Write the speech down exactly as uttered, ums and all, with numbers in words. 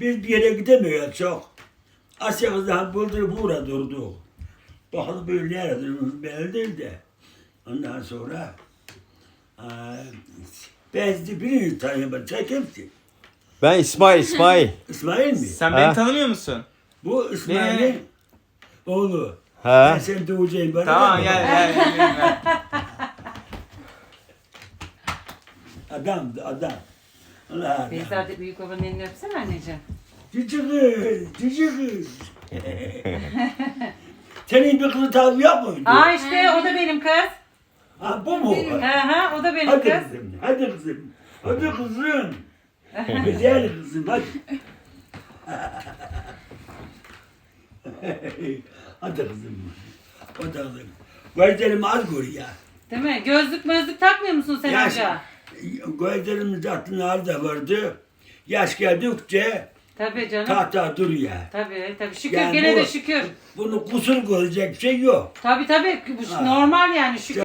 Biz bir yere gidemiyoruz çok. Asya kızdan buldurup uğra durduk. Bakalım böyle nerede durmuş belli değil de. Ondan sonra eee ben sizi birini tanıyorum. Sen kimsin? Ben İsmail, İsmail. İsmail mi? Sen Ha? beni tanımıyor musun? Bu İsmail'in Beni- oğlu. He. Ben seni doğacağım bana. Tamam gel gel gel. gel. Adam, adam. Allah adam. Beyza de büyük babanın elini öpsene anneciğim. Cici kız, cici kız. Senin bir kızı tabi yok muydu? Aa işte o da benim kız. Ha bu mu? Hı hı o da benim Hadi kız. kızım, hadi kızım. Hadi kızım. Güzel kızım, hadi. Hadi kızım. Hadi kızım. Gözlerim az görüyor ya. Değil mi? Gözlük mözlük takmıyor musun sen Yaş, amca? gözlerimiz aklına az da vardı. Yaş geldikçe Tabii canım. tahta duruyor. Tabii tabii. Şükür Yani gene bu- de şükür. Bunu kusur görecek şey yok. Tabii tabii. Bu Ha. normal yani şükür.